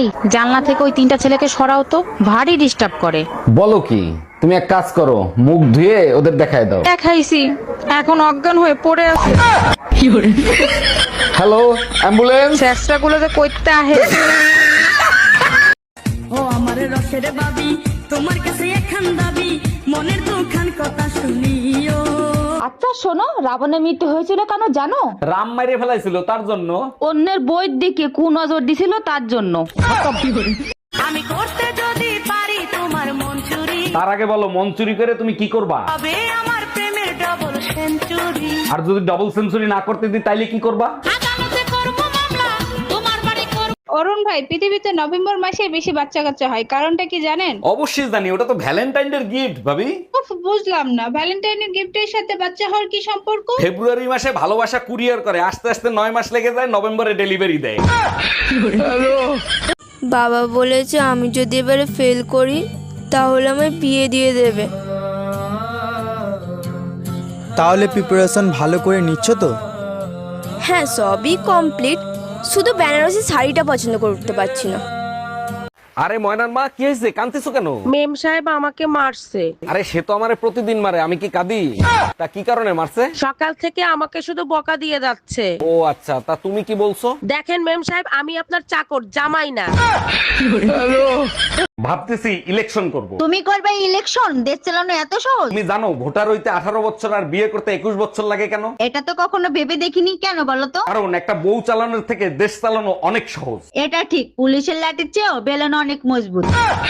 এই জানলা থেকে ওই তিনটা ছেলেকে সরাও তো, ভারী ডিস্টার্ব করে। বলো কি? তুমি এক কাজ করো, মুখ ধুয়ে ওদের দেখায় দাও। দেখাইছি, এখন অজ্ঞান হয়ে পড়ে আছে। Hello, ambulance. চেষ্টা গুলো যে করতে আহে। ও আমার রসের বাবি, তোমার কাছে একখান দাবি, মনের দুখান কথা শুনিও। আচ্ছা শোনো, রাবণের মৃত্যু হয়েছিল কেন জানো? রাম মাইরে ফেলাইছিল তার জন্য। অন্যের বইয়ের দিকে কুনজর দিছিল তার জন্য। আমি করতে যদি পারি তোমার মন চুরি, তার আগে বলো, মন চুরি করে তুমি কি করবা? তবে আমার প্রেমের ডবল সেঞ্চুরি। আর যদি ডাবল সেঞ্চুরি না করতে দিই তাইলে কি করবা? আদালতে করবো মামলা, তোমার বাড়ি করবো। অরুণ ভাই, পৃথিবীতে নভেম্বর মাসে বেশি বাচ্চা কাচ্চা হয়, কারণটা কি জানেন? অবশ্যই জানি, ওটা তো ভ্যালেন্টাইনের গিফট ভাবি। উফ, বুঝলাম না, ভ্যালেন্টাইনের গিফটের সাথে বাচ্চা হওয়ার কি সম্পর্ক? ফেব্রুয়ারি মাসে ভালোবাসা কুরিয়ার করে, আস্তে আস্তে 9 মাস লেগে যায়, নভেম্বরে ডেলিভারি দেয়। বাবা বলেছে আমি যদি এবারে ফেল করি তাহলে আমায় বিয়ে দিয়ে দেবে। তাহলে প্রিপারেশন ভালো করে নিচ্ছ তো? হ্যাঁ, সবই কমপ্লিট, শুধু বেনারসি শাড়িটা পছন্দ করতে পারছি না। আরে ময়নার মা, কি হয়েছে? কাঁদতেছো কেন? মেম সাহেব আমাকে মারছে। আরে সে তো আমারে প্রতিদিন মারে, আমি কি কাঁদি? তা কি কারণে মারছে? সকাল থেকে আমাকে শুধু বকা দিয়ে যাচ্ছে। ও আচ্ছা, তা তুমি কি বলছো? দেখেন মেম সাহেব, আমি আপনার চাকর, জামাই না। ভাবতেছি ইলেকশন করব। তুমি করবে ইলেকশন? দেশ চালানো এত সহজ? তুমি জানো ভোটার হইতে 18 বছর আর বিয়ে করতে 21 বছর লাগে কেন? এটা তো কখনো ভেবে দেখিনি, কেন বলো তো? কারণ একটা বউ চালানোর থেকে দেশ চালানো অনেক সহজ। এটা ঠিক, পুলিশের লাঠির চেয়েও বেলন অনেক মজবুত।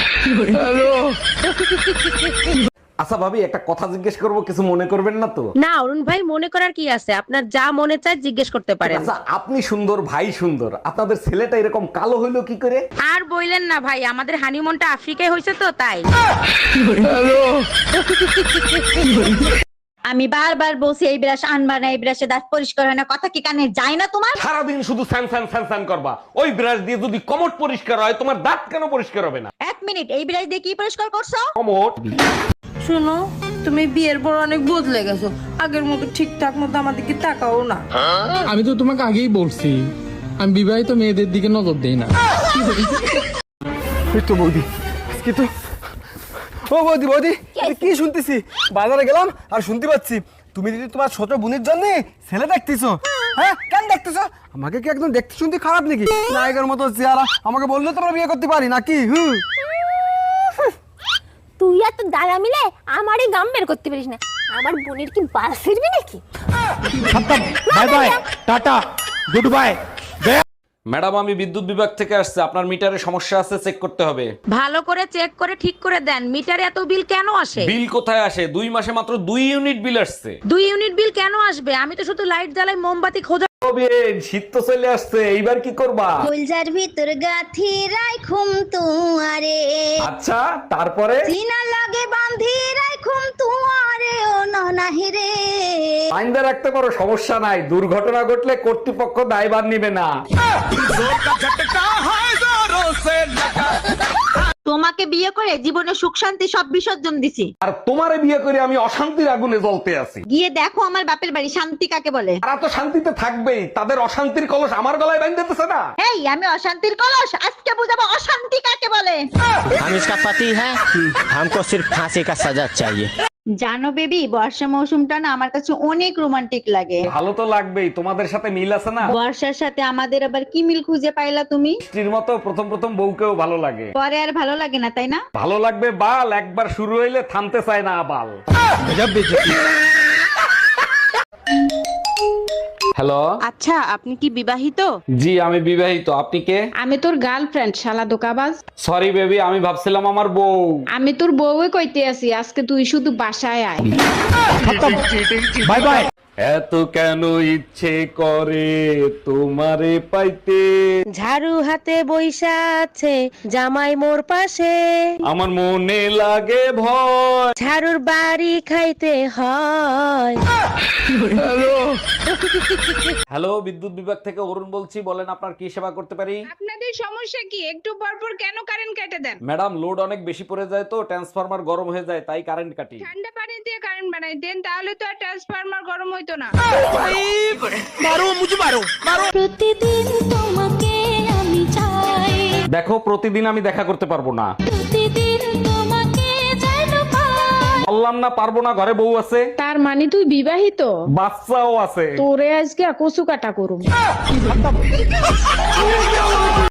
আচ্ছা ভাবি, একটা কথা জিজ্ঞেস করব, কিছু মনে করবেন না তো? না অরুণ ভাই, মনে করার কি আছে, আপনার যা মনে চায় জিজ্ঞেস করতে পারেন। আচ্ছা, আপনি সুন্দর, ভাই সুন্দর, আপনাদের ছেলেটা এরকম কালো হইলো কি করে? আর বইলেন না ভাই, আমাদের হানিমুনটা আফ্রিকায় হয়েছে তো তাই। আমি বারবার বলছি এই ব্রাশ আনবা না, এই ব্রাশে দাঁত পরিষ্কার হয় না, কথা কি কানে যায় না তোমার? সারাদিন শুধু স্যান স্যান স্যান স্যান করবা। ওই ব্রাশ দিয়ে যদি কমট পরিষ্কার হয়, তোমার দাঁত কেন পরিষ্কার হবে না? এক মিনিট, এই ব্রাশ দিয়ে কি পরিষ্কার করছো? কমট। শুনো, তুমি বিয়ের পর অনেক বদলে গেছো, আগের মতো ঠিকঠাক মতো আমাদেরকে তাকাও না। আমি তো তোমাকে আগেই বলছি, আমি বিবাহিত মেয়েদের দিকে নজর দেই না। তো বৌদি, আজকে তো ও বৌদি বৌদি, কি শুনতেছি? বাজারে গেলাম আর শুনতে পাচ্ছি তুমি যদি তোমার ছোট বোনের জন্য ছেলে দেখতেছো। হ্যাঁ, কেন দেখতেছো? আমাকে কি একদম দেখতে শুনতে খারাপ নাকি? নায়কের মতো চেহারা, আমাকে বললে তোমরা বিয়ে করতে পারি নাকি? তুই আর তো দাদা মিলে আমারই গাম বের করতে পারিস না। আমার বোনের কি বাস ফিরবি নাকি? Bye bye, tata, good bye. Madam, আমি বিদ্যুৎ বিভাগ থেকে আসছে, আপনার মিটারে সমস্যা আছে, চেক করতে হবে। ভালো করে চেক করে ঠিক করে দেন, মিটারে এত বিল কেন আসে? বিল কোথায় আসে? 2 মাসে মাত্র 2 ইউনিট বিল আসছে। 2 ইউনিট বিল কেন আসবে? আমি তো শুধু লাইট জ্বালাই, মোমবাতি খোঁজা। শীত তো চলে আসছে, এইবার কি করবা? ফুলজার ভিতর গাথি রাইখুম তুয়ারে, আচ্ছা, তারপরে? সিনা লাগে বাঁধি রাইখুম তুয়ারে, ও ননাহি রে। আইনদা রাখতে পারো, সমস্যা নাই, দুর্ঘটনা ঘটলে কর্তৃপক্ষ দায়ভার নিবে না। তোমাকে বিয়ে করে জীবনে সুখ শান্তি সব বিসর্জন দিছি, আর তোমারে বিয়ে করে আমি অশান্তির আগুনে জ্বলতে আছি। গিয়ে দেখো আমার বাপের বাড়ি শান্তি কাকে বলে। তারা তো শান্তিতে থাকবেই, তাদের অশান্তির কলস আমার গলায় বাঁধতেছে না। এই, আমি অশান্তির কলস, আজকে বুঝাবো অশান্তি কাকে বলে। हम इसका पति है, हमको सिर्फ फांसी का सजा चाहिए। জানো বেবি, বর্ষা মৌসুমটা না আমার কাছে অনেক রোমান্টিক লাগে। ভালো তো লাগবেই, তোমাদের সাথে মিল আছে না? বর্ষার সাথে আমাদের আবার কি মিল খুঁজে পাইলা তুমি? স্ত্রীর মতো প্রথম প্রথম বউকেও ভালো লাগে, পরে আর ভালো লাগে না, তাই না? ভালো লাগবে বাল, একবার শুরু হইলে থামতে চায় না বাল। হ্যালো, আচ্ছা, আপনি কি বিবাহিত? জি আমি বিবাহিত, আপনি কে? আমি তোর গার্লফ্রেন্ড, শালা দোকাবাজ। সরি বেবি, আমি ভাবছিলাম আমার বউ। আমি তোর বউই কইতে আছি, আজকে তুই শুধু বাসায় আয়। Bye bye. এত কেন ইচ্ছে করে তোমারে পাইতে, ঝাড়ু হাতে বইসা আছে জামাই মোর পাশে, আমার মনে লাগে ভয়। ঝাড়ুর বাড়ি খাইতে হয়। হ্যালো, বিদ্যুৎ বিভাগ থেকে অরুণ বলছি, বলেন আপনার কি সেবা করতে পারি? আপনাদের সমস্যা কি? একটু পরপর কেন কারেন্ট কেটে দেন? ম্যাডাম, লোড অনেক বেশি পড়ে যায় তো, ট্রান্সফরমার গরম হয়ে যায়, তাই কারেন্ট কাটি। ঠান্ডা পানি দিয়ে কারেন্ট বানাই দেন, তাহলে তো আর ট্রান্সফরমার গরম হইতো না। প্রতিদিন তোমাকে আমি চাই। দেখো প্রতিদিন আমি দেখা করতে পারবো না। বললাম না পারবো না, ঘরে বউ আছে, তার মানে তুই বিবাহিত? বাচ্চাও আছে। তোরে আজকে কচু কাটা করুম।